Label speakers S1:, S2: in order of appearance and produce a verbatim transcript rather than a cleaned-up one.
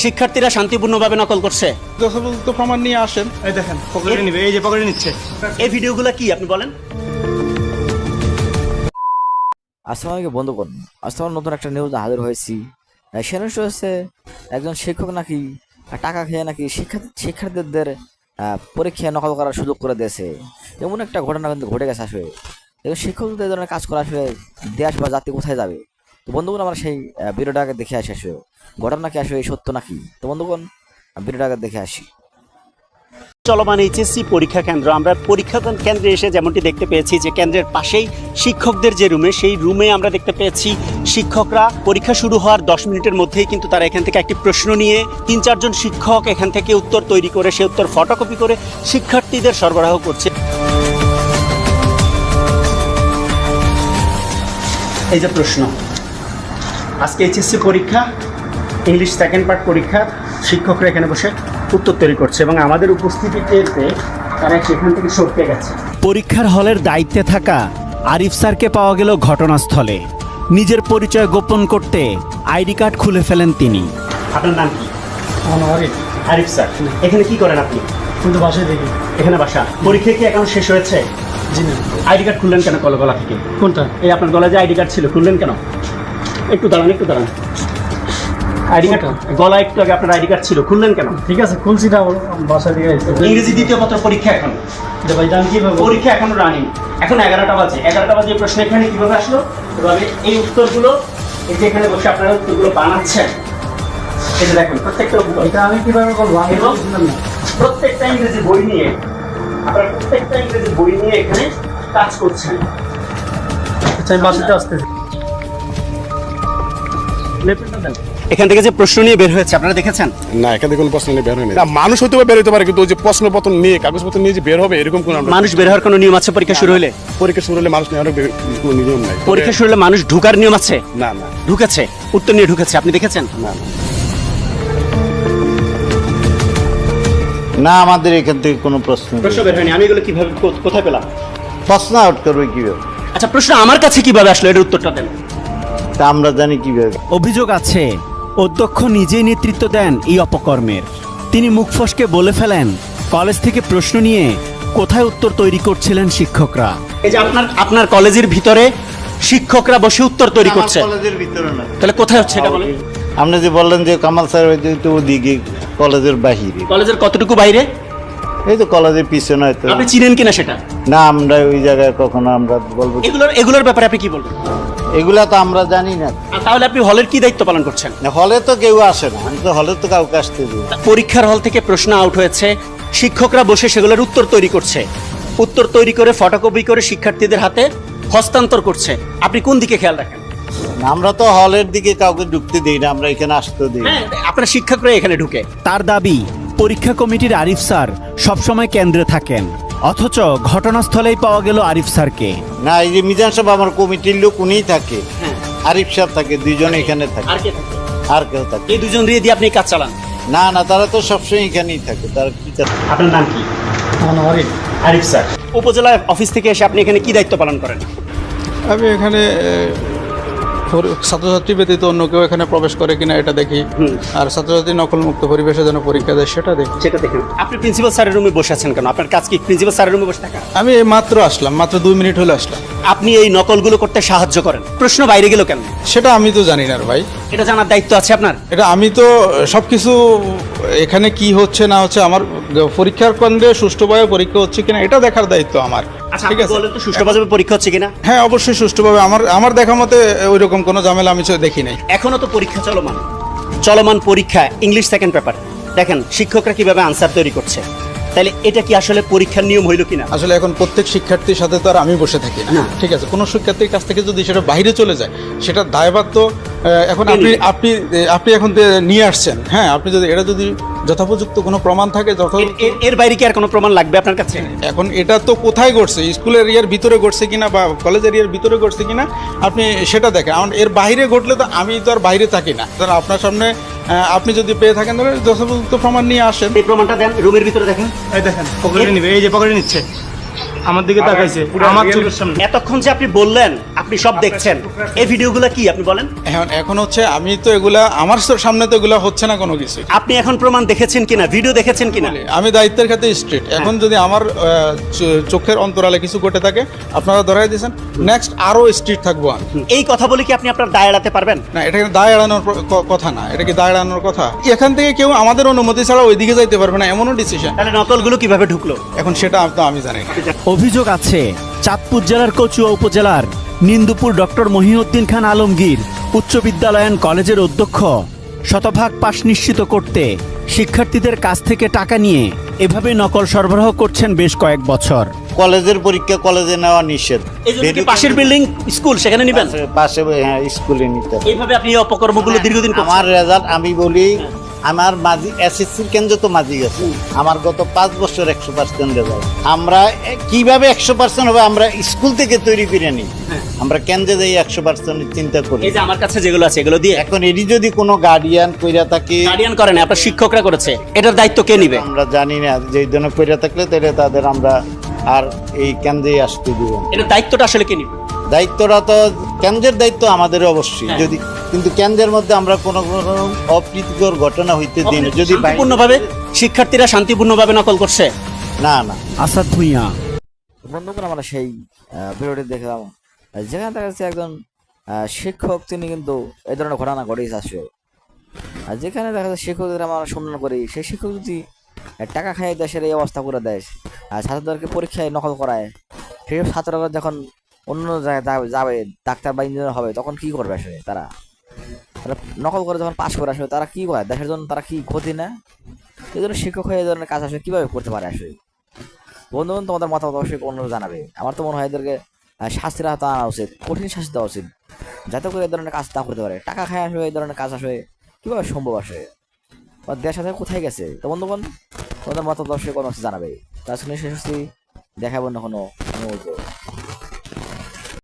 S1: শিক্ষার্থীরা শান্তিপূর্ণভাবে নকল করছে?
S2: যথাযথ প্রমাণ নিয়ে আসেন। এই দেখেন পকেটে নিবে, এই যে পকেটে নিচ্ছে।
S1: এই ভিডিওগুলো কি আপনি বলেন?
S3: আসসালামু আলাইকুম বন্ধুগণ, আজ তোমার নতুন একটা নিউজ হাজির হয়েছি। সে নিউজ হচ্ছে একজন শিক্ষক নাকি টাকা খেয়ে নাকি শিক্ষার্থী শিক্ষার্থীদের পরীক্ষায় নকল করার সুযোগ করে দিয়েছে। এমন একটা ঘটনা কিন্তু ঘটে গেছে আসলে। এবং শিক্ষকদের ধরনের কাজ করা আসলে দেশ বা জাতি কোথায় যাবে? তো বন্ধুগণ, আমরা সেই ভিডিওটাকে দেখে আসি আসলে ঘটনা কি আসলে সত্য নাকি। তো বন্ধুগণ, ভিডিওটাকে দেখে আসি।
S1: চলমান এইচএসসি পরীক্ষা কেন্দ্র, আমরা পরীক্ষা কেন্দ্রে এসে যেমনটি দেখতে পেয়েছি যে কেন্দ্রের পাশেই শিক্ষকদের যে রুমে, সেই রুমে আমরা দেখতে পেয়েছি শিক্ষকরা পরীক্ষা শুরু হওয়ার দশ মিনিটের মধ্যেই কিন্তু তারা এখান থেকে একটি প্রশ্ন নিয়ে তিন চারজন শিক্ষক এখান থেকে উত্তর তৈরি করে সে উত্তর ফটোকপি করে শিক্ষার্থীদের সরবরাহ করছে। এই যে প্রশ্ন, আজকে এইচএসসি পরীক্ষা, ইংলিশ সেকেন্ড পার্ট পরীক্ষা, শিক্ষকরা এখানে বসে উত্তর তৈরি করছে এবং আমাদের উপস্থিতি টের পেয়ে তারা সেখান থেকে সরতে গেছে। পরীক্ষার হলের দায়িত্বে থাকা আরিফ স্যারকে পাওয়া গেল ঘটনাস্থলে। নিজের পরিচয় গোপন করতে আইডি কার্ড খুলে ফেলেন তিনি। আপনার নাম কি?
S2: আরিফ।
S1: আরিফ স্যার, এখানে কি করেন আপনি?
S2: কিন্তু বাসায় দেখি।
S1: এখানে বাসা? পরীক্ষা কি এখন শেষ হয়েছে?
S2: জি না।
S1: আইডি কার্ড খুললেন কেন গলা গলা থেকে?
S2: কোনটা?
S1: এই আপনার গলায় যে আইডি কার্ড ছিল, খুললেন কেন? একটু দাঁড়ান, একটু দাঁড়ান। আইডি কার্ড গলা একটু আগে আপনার আইডি কার্ড ছিল, খুললেন কেন?
S2: ঠিক আছে, খুলছি না, বাসায় দিকে।
S1: ইংরেজি দ্বিতীয় পত্র পরীক্ষা এখন।
S2: ভাই জান কিভাবে?
S1: পরীক্ষা এখনো রানিং, এখন এগারোটা বাজে। এগারোটা বাজে প্রশ্ন এখানে কিভাবে আসলো? এভাবে এই উত্তরগুলো এই যে এখানে বসে আপনারা উত্তরগুলো বানাচ্ছেন। এটা দেখুন, প্রত্যেকটা
S2: এটা আমি কিভাবে বলবো? আমি বুঝলাম না।
S1: প্রত্যেকটা ইংরেজি বই নিয়ে আপনারা প্রত্যেকটা ইংরেজি বই নিয়ে এখানে কাজ করছেন।
S2: আচ্ছা, আমি বাসাতে আসতেছি।
S1: এখান থেকে যে প্রশ্ন নিয়ে বের হয়েছে আপনারা দেখেছেন?
S4: না, এখান থেকে কোনো প্রশ্ন নিয়ে বের হয়নি। না, মানুষ হয়তো বের হতে পারে, কিন্তু ওই যে প্রশ্নপত্র নিয়ে কাগজপত্র নিয়ে যে বের হবে এরকম কোনো
S1: মানুষ বের হওয়ার কোনো নিয়ম আছে পরীক্ষা শুরু হলে?
S4: পরীক্ষা শুরু হলে মানুষ নেওয়ার কোনো নিয়ম নাই।
S1: পরীক্ষা শুরু হলে মানুষ ঢুকার নিয়ম আছে?
S4: না না,
S1: ঢুকেছে, উত্তর নিয়ে ঢুকেছে, আপনি দেখেছেন?
S4: না না।
S5: না, আমাদের এখান থেকে কোনো প্রশ্ন নেই।
S1: প্রশ্ন বের হয়নি। আমি এগুলো কিভাবে কো- কোথায় পেলাম?
S5: প্রশ্ন আউট করবে কিভাবে?
S1: আচ্ছা, প্রশ্ন আমার কাছে কিভাবে আসলো, এর উত্তরটা দেন।
S5: তা আমরা জানি কিভাবে?
S6: অভিযোগ আছে অধ্যক্ষ নিজেই নেতৃত্ব দেন এই অপকর্মের। তিনি মুখ ফসকে বলে ফেলেন কলেজ থেকে প্রশ্ন নিয়ে কোথায় উত্তর তৈরি করছিলেন শিক্ষকরা।
S1: এই যে আপনার আপনার কলেজের ভিতরে শিক্ষকরা বসে উত্তর তৈরি করছে,
S5: আমার কলেজের ভিতরে না।
S1: তাহলে কোথায় হচ্ছে এটা বলেন?
S5: আপনি যে বললেন যে কামাল স্যার হয়তো ওদিকে কলেজের বাহিরে।
S1: কলেজের কতটুকু বাইরে?
S5: এই তো কলেজের পিছনে হয়তো।
S1: আপনি চিনেন কিনা সেটা?
S5: না, আমরা ওই জায়গায় কখনো আমরা বলবো কি?
S1: এগুলোর এগুলোর ব্যাপারে আপনি কি বলবেন?
S5: এগুলা তো আমরা জানি না।
S1: আর তাহলে আপনি হলের কি দায়িত্ব পালন করছেন?
S5: হলে তো কেউ আসে না, আমি তো হলে তো কাউকে আসতে দিই না।
S1: পরীক্ষার হল থেকে প্রশ্ন আউট হয়েছে, শিক্ষকরা বসে সেগুলোর উত্তর তৈরি করছে, উত্তর তৈরি করে ফটোকপি করে শিক্ষার্থীদের হাতে হস্তান্তর করছে। আপনি কোন দিকে খেয়াল রাখেন?
S5: আমরা তো হলের দিকে কাউকে ঢুকতে দিই না, আমরা এখানে আসতে দিই না।
S1: হ্যাঁ, আপনার শিক্ষকরা এখানে ঢুকে।
S6: তার দাবি পরীক্ষা কমিটির আরিফ স্যার সবসময় কেন্দ্রে থাকেন, অথচ ঘটনাস্থলেই পাওয়া গেল আরিফ স্যারকে।
S5: না, এই যে মিজান সাহেব আমার কমিটির লোক, উনিই থাকে।
S1: হ্যাঁ।
S5: আরিফ সাহেব থাকে, দুইজন এখানে থাকে।
S1: আর কে থাকে?
S5: আর কেউ থাকে?
S1: এই দুজন দিয়ে দিয়ে আপনি কাজ চালান?
S5: না না, তারা তো সবসময় এখানেই থাকে। তারা কি করে?
S1: আপনার নাম কি?
S2: আমার আরিফ।
S1: আরিফ স্যার, উপজেলা অফিস থেকে এসে আপনি এখানে কি দায়িত্ব পালন করেন?
S2: আমি এখানে পরি- ছাত্রছাত্রী ব্যতীত অন্য কেউ এখানে প্রবেশ করে কিনা এটা দেখি,
S1: হুম।
S2: আর ছাত্রছাত্রী নকলমুক্ত পরিবেশে যেন পরীক্ষা দেয় সেটা দেখি।
S1: সেটা দেখেন। আপনি প্রিন্সিপাল স্যারের রুমে বসে আছেন কেন? আপনার কাজ কি প্রিন্সিপাল স্যারের রুমে বসে থাকা?
S2: আমি এই মাত্র আসলাম, মাত্র দুই মিনিট হলে আসলাম।
S1: আপনি এই নকলগুলো করতে সাহায্য করেন, প্রশ্ন বাইরে গেল কেন?
S2: সেটা আমি তো জানি না রে ভাই।
S1: এটা জানার দায়িত্ব আছে আপনার।
S2: এটা আমি তো সবকিছু এখানে কি হচ্ছে না হচ্ছে, আমার পরীক্ষার কেন্দ্রে সুষ্ঠুভাবে পরীক্ষা হচ্ছে কিনা এটা দেখার দায়িত্ব আমার।
S1: আচ্ছা,
S2: ঠিক
S1: আপনি
S2: আছে,
S1: বলেন তো সুষ্ঠুভাবে পরীক্ষা হচ্ছে কিনা?
S2: হ্যাঁ অবশ্যই সুষ্ঠুভাবে। আমার আমার দেখা মতে ওই রকম কোনো ঝামেলা আমি তো দেখি নাই।
S1: এখনো তো পরীক্ষা চলমান, চলমান পরীক্ষা ইংলিশ সেকেন্ড পেপার। দেখেন শিক্ষকরা কিভাবে আনসার তৈরি করছে, তাহলে এটা কি আসলে পরীক্ষার নিয়ম হইল কিনা?
S2: আসলে এখন প্রত্যেক শিক্ষার্থীর সাথে তো আর আমি বসে থাকি না,
S1: না।
S2: ঠিক আছে। কোনো শিক্ষার্থীর কাছ থেকে যদি সেটা বাইরে চলে যায়, সেটা দায়ভার তো আহ, এখন আপনি আপনি আপনি এখন যে নিয়ে আসছেন, হ্যাঁ, আপনি যদি এটা যদি যথোপযুক্ত কোনো প্রমাণ থাকে, যথ
S1: এর- এর- এর বাইরে কি আর কোনো প্রমাণ লাগবে আপনার কাছে?
S2: এখন এটা তো কোথায় ঘটছে, স্কুল এরিয়ার ভিতরে ঘটছে কিনা বা কলেজ এরিয়ার ভিতরে ঘটছে কিনা আপনি সেটা দেখেন। এখন এর বাইরে ঘটলে তো আমি তো আর বাইরে থাকি না। তাহলে আপনার সামনে আহ, আপনি যদি পেয়ে থাকেন তাহলে যথোপযুক্ত প্রমাণ নিয়ে আসেন।
S1: এই প্রমাণটা দেন, রুমের ভিতরে দেখেন।
S2: এই দেখেন পকেটে নিবে, এই যে পকেটে নিচ্ছে।
S7: আমার দিকে তাকাইছে আমার চোখের সামনে।
S1: এতক্ষণ যে আপনি বললেন আপনি সব দেখছেন, এই ভিডিওগুলো কি আপনি বলেন?
S2: এখন এখন হচ্ছে আমি তো এগুলা আমার সামনে তো এগুলা হচ্ছে না কোনো কিছু।
S1: আপনি এখন প্রমাণ দেখেছেন কিনা, ভিডিও দেখেছেন কিনা?
S2: আমি দায়িত্বের ক্ষেত্রে স্ট্রিট। এখন যদি আমার আহ, চ- চোখের অন্তরালে কিছু ঘটে থাকে আপনারা ধরাই দিয়েছেন, নেক্সট আরো স্ট্রিট থাকবো আমি।
S1: এই কথা বলে কি আপনি আপনার দায় এড়াতে পারবেন?
S2: না, এটা কিন্তু দায় এড়ানোর প- ক- কথা না, এটা কি দায় এড়ানোর কথা? এখান থেকে কেউ আমাদের অনুমতি ছাড়া ওইদিকে যাইতে পারবে না, এমনও ডিসিশন।
S1: তাহলে নকলগুলো কিভাবে ঢুকলো?
S2: এখন সেটা তো আমি জানি না।
S6: অভিযোগ আছে চাঁদপুর জেলার কচুয়া উপজেলার নিন্দুপুর ডক্টর মহিউদ্দিন খান আলমগীর উচ্চ বিদ্যালয় অ্যান্ড কলেজের অধ্যক্ষ শতভাগ পাশ নিশ্চিত করতে শিক্ষার্থীদের কাছ থেকে টাকা নিয়ে এভাবে নকল সরবরাহ করছেন বেশ কয়েক বছর।
S5: কলেজের পরীক্ষা কলেজে নেওয়া নিষেধ।
S1: এই জন্য কি পাশের বিল্ডিং স্কুল সেখানে নিবেন?
S5: পাশে- পাশে হ্যাঁ, স্কুলে নিতে হবে।
S1: এইভাবে আপনি এই অপকর্মগুলো দীর্ঘদিন করছেন।
S5: আমার রেজাল্ট আমি বলি, আমার মাঝি এসএসসির কেন্দ্র তো মাঝি গেছে, আমার গত পাঁচ বছর একশো পার্সেন্ট রেজাল্ট। আমরা এ- কিভাবে একশো পার্সেন্ট হবে আমরা স্কুল থেকে তৈরি করে নিই, আমরা কেন্দ্রে যাই একশো পার্সেন্ট চিন্তা করি।
S1: এই যে আমার কাছে যেগুলো আছে এগুলো দিয়ে
S5: এখন এটি যদি কোনো গার্ডিয়ান কইরা থাকে,
S1: গার্ডিয়ান করেন আপনার শিক্ষকরা করেছে, এটার দায়িত্ব কে নিবে?
S5: আমরা জানি না যে এই ধরনের কইরা থাকলে তাহলে তাদের আমরা আর এই কেন্দ্রে আসতে দিব না।
S1: এটার দায়িত্বটা আসলে কে নিবে?
S5: দায়িত্বটা তো কেন্দ্রের দায়িত্ব আমাদের অবশ্যই, যদি কিন্তু কেন্দ্রের মধ্যে আমরা কোনো কোনো অপ্রীতিকর ঘটনা হইতে দিই না। যদি বাইরে-
S1: শান্তিপূর্ণভাবে শিক্ষার্থীরা শান্তিপূর্ণভাবে নকল করছে।
S5: না না
S6: আসাদ ভুঁইয়া।
S3: বন্ধুগণ, আমরা সেই আহ, ভিডিওটি দেখলাম যেখানে দেখা যাচ্ছে একজন আহ, শিক্ষক তিনি কিন্তু এই ধরনের ঘটনা ঘটেছে আসলে। আর যেখানে দেখা যাচ্ছে শিক্ষকদের আমরা সম্মান করি, সেই শিক্ষক যদি আহ, টাকা খাইয়ে দেশের এই অবস্থা করে দেয় আর ছাত্রদেরকে পরীক্ষায় নকল করায়, সেসব ছাত্ররা যখন অন্য জায়গায় যাবে- যাবে ডাক্তার বা ইঞ্জিনিয়ার হবে তখন কি করবে আসলে? তারা তারা নকল করে যখন পাশ করে আসবে তারা কি করে দেশের জন্য, তারা কি ক্ষতি না? এই জন্য শিক্ষক হয়ে এই ধরনের কাজ আসলে কিভাবে করতে পারে আসলে? বন্ধুগণ, তোমাদের মতামত অবশ্যই অন্যরা জানাবে। আমার তো মনে হয় এদেরকে আহ, শাস্তির আওতায় আনা উচিত, কঠিন শাস্তি দেওয়া উচিত, যাতে করে এই ধরনের কাজ না করতে পারে। টাকা খায় আসবে এই ধরনের কাজ আসবে কিভাবে সম্ভব আসে? বা দেশ আসলে কোথায় গেছে? তো বন্ধুগণ, তোমাদের মতামত অবশ্যই কোনো জানাবে। তার সঙ্গে শেষ হচ্ছি, দেখাবো না কোনো অনুমোদিত।